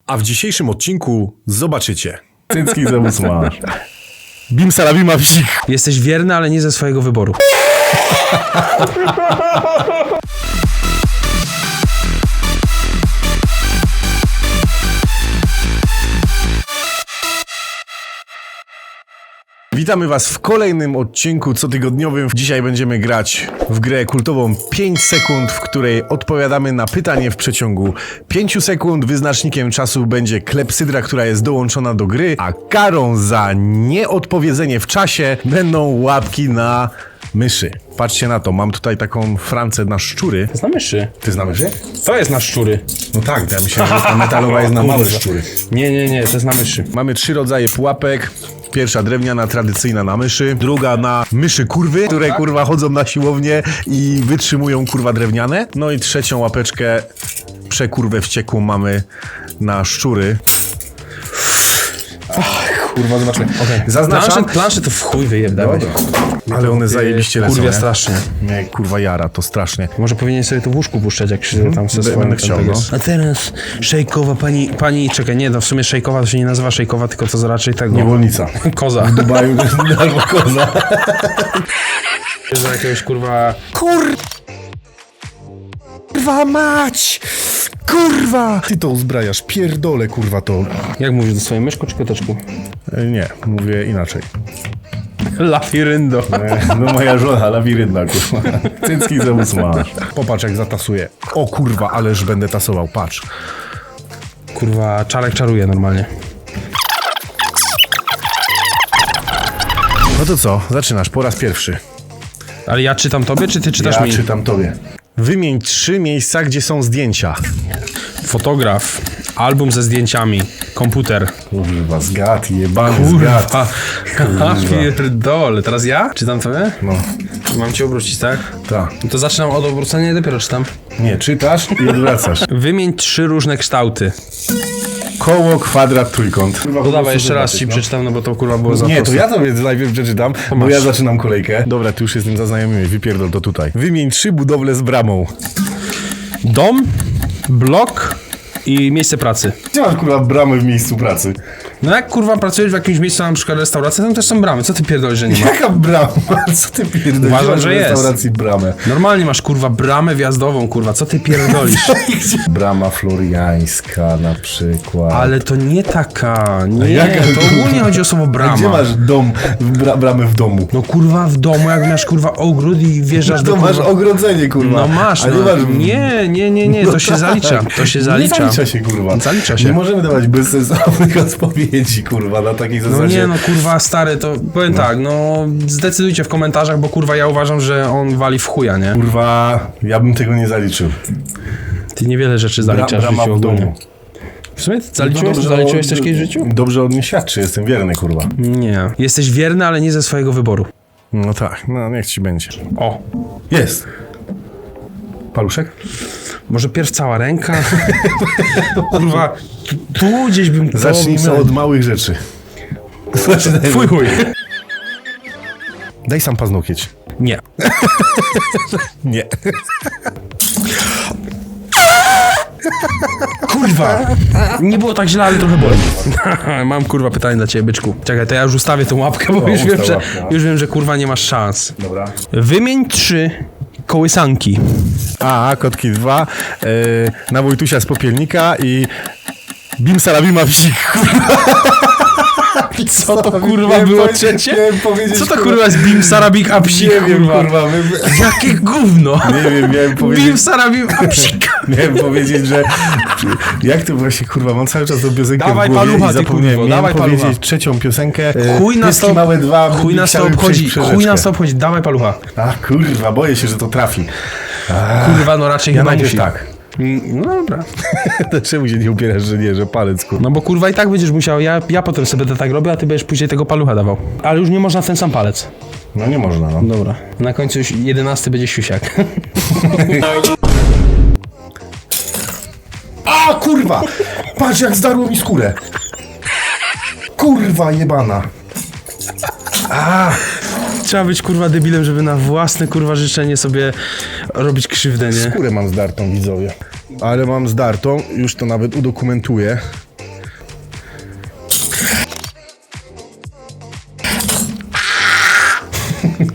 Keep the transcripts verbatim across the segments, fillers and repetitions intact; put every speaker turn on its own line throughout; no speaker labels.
A w dzisiejszym odcinku zobaczycie. Cycki zobacz masz. Bim salabima psik.
Jesteś wierny, ale nie ze swojego wyboru.
Witamy was w kolejnym odcinku cotygodniowym. Dzisiaj będziemy grać w grę kultową pięć sekund, w której odpowiadamy na pytanie w przeciągu pięć sekund. Wyznacznikiem czasu będzie klepsydra, która jest dołączona do gry, a karą za nieodpowiedzenie w czasie będą łapki na myszy. Patrzcie na to, mam tutaj taką francę na szczury.
To jest na myszy.
Ty znasz myszy?
To jest na szczury.
No tak, ja myślałem, że ta metalowa jest na małe szczury.
Nie, nie, nie, to jest na myszy.
Mamy trzy rodzaje pułapek. Pierwsza drewniana, tradycyjna na myszy. Druga na myszy kurwy, które kurwa chodzą na siłownię i wytrzymują kurwa drewniane. No i trzecią łapeczkę przekurwę wściekłą mamy na szczury. Ach, kurwa, zobaczmy. Okay. Zaznaczam.
Plansze, plansze to w chuj wyjebałeś.
Ale one zajebiście lecą.
Kurwa, strasznie.
Nie, kurwa jara, to strasznie.
Może powinien sobie to w łóżku puszczać, jak się tam se
Będę chciał, no.
A teraz szejkowa pani, pani, czekaj, nie, no w sumie szejkowa to się nie nazywa szejkowa, tylko to raczej tego.
Niewolnica.
Koza.
W Dubaju albo koza.
Za jakiegoś kurwa...
Kurwa mać! Kurwa! Ty to uzbrajasz, pierdolę kurwa to.
Jak mówisz do swojej myszku czy koteczku?
E, Nie, mówię inaczej.
Lafiryndo.
E, No moja żona, lawirynna kurwa. Cycki zobacz masz. Popatrz jak zatasuje. O kurwa, ależ będę tasował, patrz.
Kurwa, czarek czaruje normalnie.
No to co, zaczynasz po raz pierwszy.
Ale ja czytam tobie, czy ty czytasz
Ja
mi?
czytam tobie. Wymień trzy miejsca, gdzie są zdjęcia.
Fotograf, album ze zdjęciami, komputer.
Kurwa, zgad, jebany zgad.
Kurwa, pierdole. Teraz ja? Czytam tobie?
No,
Mam cię obrócić, tak?
tak.
No to zaczynam od obrócenia i dopiero czytam.
Nie, czytasz i odwracasz.
Wymień trzy różne kształty.
Koło, kwadrat, trójkąt. Kurwa,
No dawaj, jeszcze raz ci przeczytam, no bo to kurwa było za
Nie, to
proste.
ja tobie najpierw przeczytam, bo
masz.
ja zaczynam kolejkę. Dobra, ty już jestem zaznajomiony, wypierdol to tutaj. Wymień trzy budowle z bramą.
Dom, blok i miejsce pracy.
Gdzie masz kurwa bramę w miejscu pracy?
No jak kurwa pracujesz w jakimś miejscu, na przykład restauracji, tam też są bramy. Co ty pierdolisz, że nie ma?
Jaka brama? Co ty pierdolisz?
Uważam,
Masz
że
w
jest.
restauracji bramę.
Normalnie masz kurwa bramę wjazdową, kurwa. Co ty pierdolisz?
Brama floriańska na przykład.
Ale to nie taka. Nie,
jaka?
to ogólnie chodzi o słowo brama.
A gdzie masz dom, bra, bramę w domu?
No kurwa w domu, jak masz kurwa ogród i wjeżdżasz
To
do
masz
kurwa...
ogrodzenie kurwa.
No masz,
A nie
no.
masz...
Nie, nie, nie, nie,
No
to się
tak.
zalicza. To się zalicza.
Nie zalicza się kurwa.
Zalicza się.
Nie możemy dawać bezsensownych odpowiedzi kurwa na takiej zasadzie.
No nie, no kurwa stary, to powiem no. tak, no zdecydujcie w komentarzach, bo kurwa ja uważam, że on wali w chuja, nie?
Kurwa, ja bym tego nie zaliczył.
Ty niewiele rzeczy zaliczasz
Brama
w życiu
w domu.
ogólnie. W sumie zaliczyłeś,
No dobrze,
zaliczyłeś
o-
coś kiedyś w życiu?
Dobrze od mnie świadczy, jestem wierny kurwa.
Nie. Jesteś wierny, ale nie ze swojego wyboru.
No tak, no niech ci będzie.
O.
Jest. Paluszek?
Może pierw cała ręka? Kurwa, tu, tu gdzieś bym... to
Zacznijmy
bym-
od małych rzeczy.
Twój chuj.
Daj sam paznokieć.
Nie.
Nie.
Kurwa! Nie było tak źle, ale trochę boli. Mam kurwa pytanie dla ciebie, byczku. Czekaj, to ja już ustawię tą łapkę, bo
No,
już, wiem,
ustaw
że,
łapkę.
już wiem, że kurwa nie masz szans.
Dobra.
Wymień trzy kołysanki.
A, kotki dwa, yy, na Wojtusia z Popielnika i Bim salabima psik.
Co to kurwa
Miałem
było
powie-
trzecie?
miałem powiedzieć,
Co to kurwa jest bim sarabik a psik,
Nie wiem,
kurwa?
kurwa. My...
Jakie gówno!
Nie wiem, miałem
Bim
powiedzieć...
sarabik a psik.
Miałem powiedzieć, że... Jak to właśnie, kurwa, mam cały czas tą piosenkę
Dawaj
w głowie
palucha,
i
ty,
zapomniałem.
kurwo,
Miałem
dawaj
powiedzieć
palucha.
trzecią piosenkę.
Chuj nas
Pieski
to...
małe dwa.
Chuj nas to
chciały
obchodzi,
przejść
chuj nas to
rzeczkę.
obchodzi. Dawaj palucha.
A kurwa, boję się, że to trafi.
Kurwa, no raczej
Ja
chyba
najpierw
musi.
tak.
Mm, No dobra.
To czemu się nie upierasz, że nie, że palec, kurwa?
No bo kurwa i tak będziesz musiał, ja, ja potem sobie to tak robię, a ty będziesz później tego palucha dawał. Ale już nie można w ten sam palec.
No nie można, no.
Dobra. Na końcu już jedenasty będzie siusiak.
A kurwa! Patrz jak zdarło mi skórę. Kurwa jebana. A,
Trzeba być kurwa debilem, żeby na własne kurwa życzenie sobie robić krzywdę, nie?
skórę mam zdartą, widzowie. Ale mam zdartą, już to nawet udokumentuję.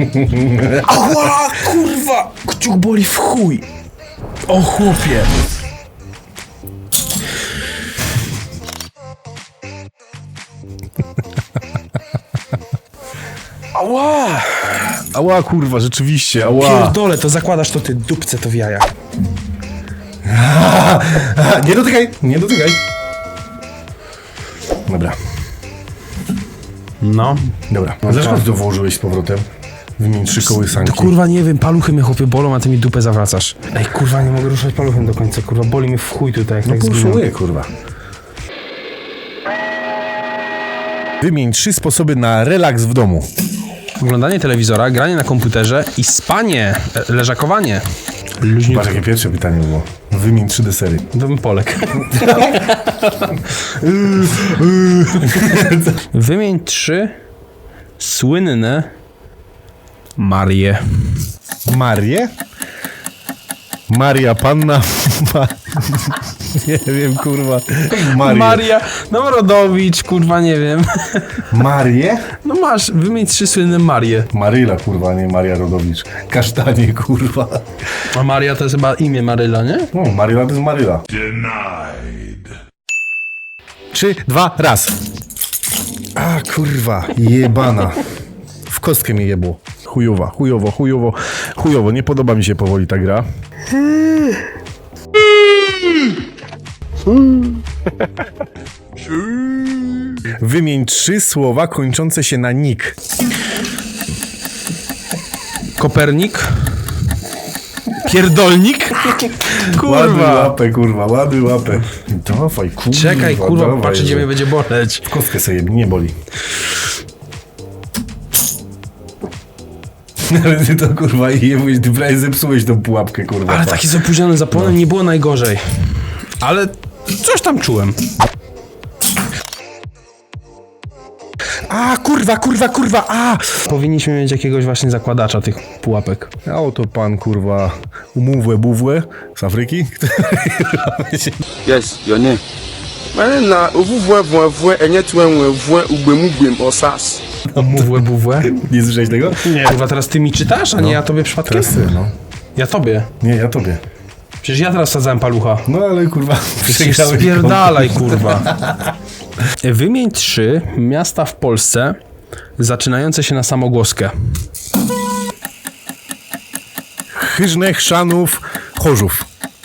Ała, kurwa! Kciuk boli w chuj. O chłopie. Ała!
Ała, kurwa, rzeczywiście, ała.
Pierdolę, to zakładasz to ty dupce to w jaja.
Nie dotykaj, nie dotykaj. Dobra,
No.
dobra. A dlaczego ty to włożyłeś z powrotem? Wymień trzy kołysanki.
To kurwa nie wiem, paluchy mnie chłopie bolą, a ty mi dupę zawracasz. Ej kurwa, nie mogę ruszać paluchem do końca, kurwa, boli mnie w chuj tutaj, jak
No
tak zginę.
puszuję, kurwa. Wymień trzy sposoby na relaks w domu.
Oglądanie telewizora, granie na komputerze i spanie, e, leżakowanie.
Patrz, jakie pierwsze pytanie było. Wymień trzy desery.
To bym Polek. Wymień trzy słynne Marie.
Marię? Maria Panna. Ma... Nie wiem, kurwa. Marię.
Maria Narodowicz, kurwa, nie wiem.
Marię?
No masz, wymień trzy słynne Marie.
Maryla, kurwa, nie Maria Rodowicz. Kasztanie, kurwa.
A Maria to jest chyba imię Maryla, nie?
No, Maryla to jest Maryla. Trzy, dwa, raz. A, kurwa, jebana. W kostkę mi jebło. Chujowa, chujowo, chujowo, chujowo. Nie podoba mi się powoli ta gra. Wymień trzy słowa kończące się na nik.
Kopernik. Pierdolnik.
Ładuj
Kurwa.
łapę, kurwa, ładuj łapę. Dawaj, kurwa.
Czekaj, kurwa,
dawaj,
patrz, gdzie
że-
mnie będzie boleć.
W kostkę sobie jebnie, nie boli. Ale ty to, kurwa, i jebłeś, ty prawie zepsułeś tą pułapkę, kurwa.
Ale taki z opóźnionym zapłonem nie było najgorzej. Ale coś tam czułem.
A, kurwa, kurwa, kurwa, a!
Powinniśmy mieć jakiegoś właśnie zakładacza tych pułapek.
A oto pan, kurwa, umówłe buwłe z Afryki.
Yes, your name. My name na ovuvwe vwe enye twenwe vwe ugbemugwem osas.
Mówłe, buwłe.
Nie słyszałeś tego?
Nie. Kurwa, teraz ty mi czytasz, a nie ja tobie przypadkiem?
Teraz ty, no.
Ja tobie.
Nie, ja tobie.
Przecież ja teraz sadzałem palucha.
No ale, kurwa,
Przecież
przegrałeś
spierdalaj, kurwa. Wymień trzy miasta w Polsce zaczynające się na samogłoskę.
Chyżne, Chrzanów, Chorzów.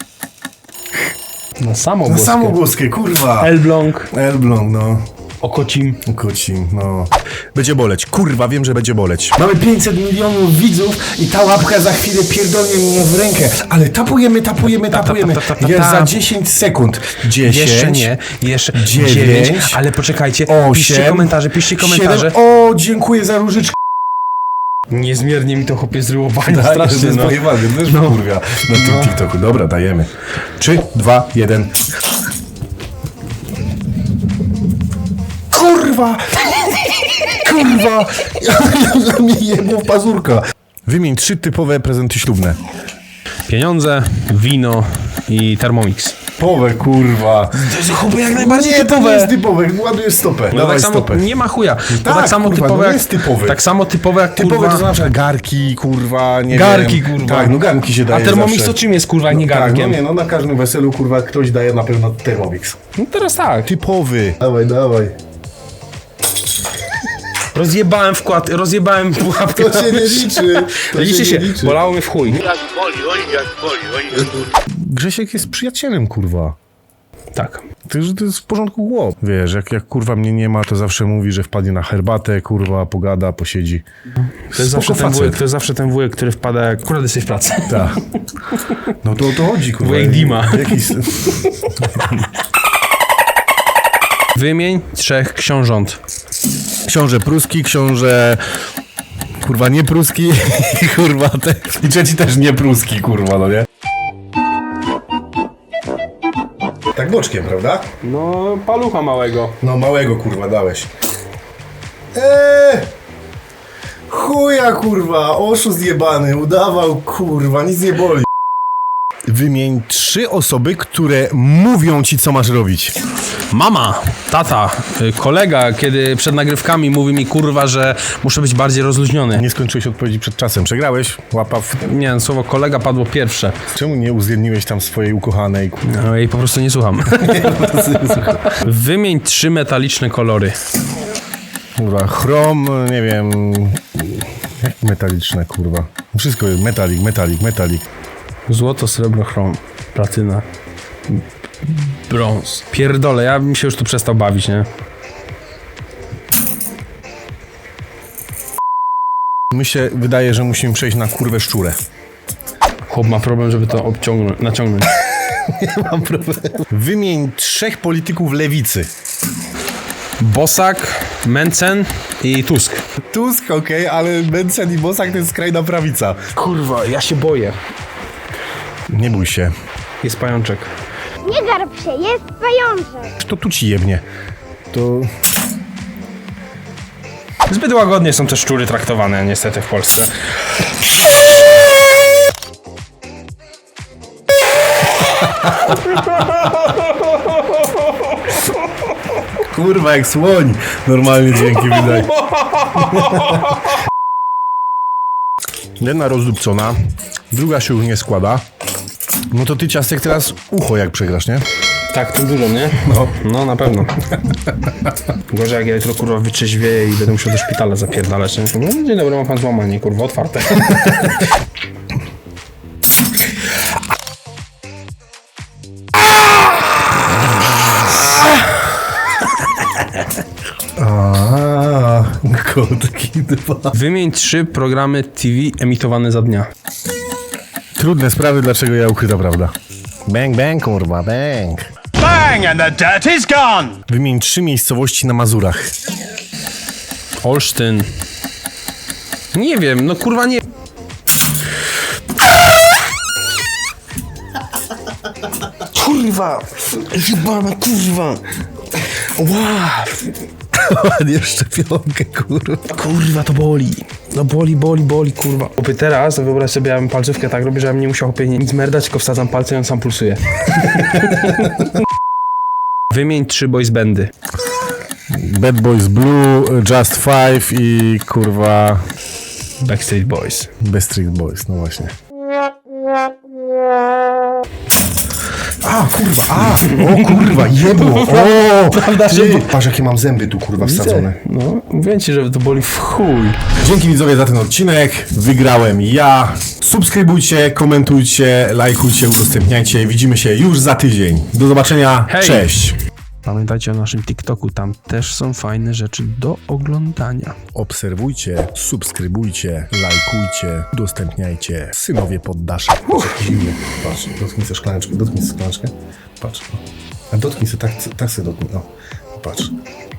Na
Na
samogłoskę.
samogłoskę, kurwa.
Elbląg,
Elbląg, no.
Okocim.
Kocim, no. Będzie boleć, kurwa, wiem, że będzie boleć. Mamy pięćset milionów widzów i ta łapka za chwilę pierdolnie mnie w rękę. Ale tapujemy, tapujemy, tapujemy.
ta, ta, ta, ta,
Jest za
ta.
dziesięć sekund. dziesięć.
Jeszcze nie, jeszcze
dziewięć,
dziewięć, ale poczekajcie, piszcie
osiem,
komentarze, piszcie komentarze.
siedem. O, dziękuję za różyczkę.
Niezmiernie mi to chłopie zryło bani,
Tak, to
strasznie,
jest
no.
pojebane, to też no. kurwa na tym TikToku. Dobra, dajemy. Trzy, dwa, jeden. Kurwa! Kurwa! Ja mi jedną pazurka. Wymień trzy typowe prezenty ślubne.
Pieniądze, wino i Thermomix.
Typowe, kurwa.
To jest chłopie jak najbardziej
Nie, to nie jest typowe. Ładujesz stopę.
No
Dawaj
tak samo,
stopę.
nie ma chuja. To tak,
tak,
samo
kurwa,
typowe
no
jak,
jest typowy.
Tak samo typowe jak
Typowe
kurwa...
to są na przykład garki, kurwa, nie
Garki,
wiem.
kurwa.
Tak, no garnki się daje
A Thermomix
zawsze.
to czym jest, kurwa, jak nie
Tak, no
garnkiem?
nie, no na każdym weselu, kurwa, ktoś daje na pewno Thermomix.
No teraz tak.
Typowy. Dawaj, dawaj.
Rozjebałem wkład, rozjebałem pułapkę.
To się nie liczy. To
Liczy się,
nie liczy.
bolało mnie w chuj.
Grzesiek jest przyjacielem, kurwa.
Tak.
To, że to jest w porządku głos. Wiesz, jak, jak kurwa mnie nie ma, to zawsze mówi, że wpadnie na herbatę, kurwa, pogada, posiedzi.
To jest, zawsze ten wujek, to jest zawsze ten wujek, który wpada jak akurat jesteś w pracy.
Tak. No to o to chodzi, kurwa.
Wujek Dima.
Jakiś...
Wymień trzech książąt.
Książę pruski, książę... Kurwa, nie pruski, kurwa, te... I trzeci też nie pruski, kurwa, no nie? Tak boczkiem, prawda?
No, palucha małego.
No małego, kurwa, dałeś. Eee! Chuja, kurwa, oszust jebany, udawał, kurwa, nic nie boli. Wymień trzy osoby, które mówią ci, co masz robić.
Mama, tata, y, kolega, kiedy przed nagrywkami mówi mi kurwa, że muszę być bardziej rozluźniony.
Nie skończyłeś odpowiedzi przed czasem. Przegrałeś? Łapa w...
Nie, słowo kolega padło pierwsze.
Czemu nie uwzględniłeś tam swojej ukochanej?
No i po prostu nie słucham. Wymień trzy metaliczne kolory.
Kurwa, chrom, nie wiem... Jak metaliczne, kurwa. Wszystko jest metalik, metalik, metalik.
Złoto, srebro, chrom, platyna, brąz. Pierdolę, ja bym się już tu przestał bawić, nie?
Mi się wydaje, że musimy przejść na kurwę szczurę.
Chłop ma problem, żeby to obciągnąć, naciągnąć.
Nie mam problemu. Wymień trzech polityków lewicy.
Bosak, Mencen i Tusk.
Tusk, okej, okay, ale Mencen i Bosak to jest skrajna prawica.
Kurwa, ja się boję.
Nie bój się.
Jest pajączek.
Nie garb się, jest pajączek.
To tu ci jebnie. To...
Zbyt łagodnie są te szczury traktowane niestety w Polsce.
Kurwa, jak słoń. Normalnie dźwięki wydaje. Jedna rozdupcona, druga się już nie składa. No to ty, Ciastek, teraz ucho jak przegrasz, nie?
Tak, to dużo, nie?
No.
No, na pewno. Gorzej jak ja jutro, kurwa, wytrzeźwieję i będę musiał do szpitala zapierdalać, nie? No, dzień dobry, ma pan złamanie, kurwa, otwarte.
Aaa, kotki dwa.
Wymień trzy programy T V emitowane za dnia.
Trudne sprawy, dlaczego ja ukryta prawda. Bang, bang, kurwa, bang.
Bang and the dirt is gone!
Wymień trzy miejscowości na Mazurach.
Olsztyn. Nie wiem, no kurwa nie... Kurwa! Jebana kurwa! Wow!
Ładnie szczepionkę, kurwa.
Kurwa, to boli. No boli, boli, boli, kurwa. Opy teraz, to wyobraź sobie, ja bym palcówkę tak robię, że ja bym nie musiał opie nic merdać, tylko wsadzam palce i on sam pulsuje. Wymień trzy boys bandy.
Bad Boys Blue, Just Five i kurwa...
Backstreet Boys.
Backstreet Boys, no właśnie. A, kurwa, a! O kurwa, jebło! O!
Prawda, że-
Ty, patrz, jakie mam zęby tu, kurwa, wsadzone.
No, mówię ci, że to boli w chuj.
Dzięki widzowie za ten odcinek. Wygrałem ja. Subskrybujcie, komentujcie, lajkujcie, udostępniajcie. Widzimy się już za tydzień. Do zobaczenia.
Hej!
Cześć.
Pamiętajcie o naszym TikToku, tam też są fajne rzeczy do oglądania.
Obserwujcie, subskrybujcie, lajkujcie, udostępniajcie. Synowie poddasze. Patrz, jakiś zimny. Patrz, dotknij sobie szklaneczkę, dotknij sobie szklaneczkę. Patrz. A dotknij sobie, tak, tak sobie dotknij. O, patrz.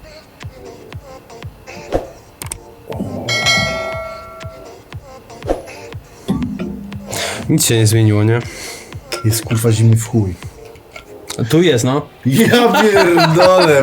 Nic się nie zmieniło, nie?
Jest kurwa zimny w chuj.
Tu jest, no.
Ja pierdolę.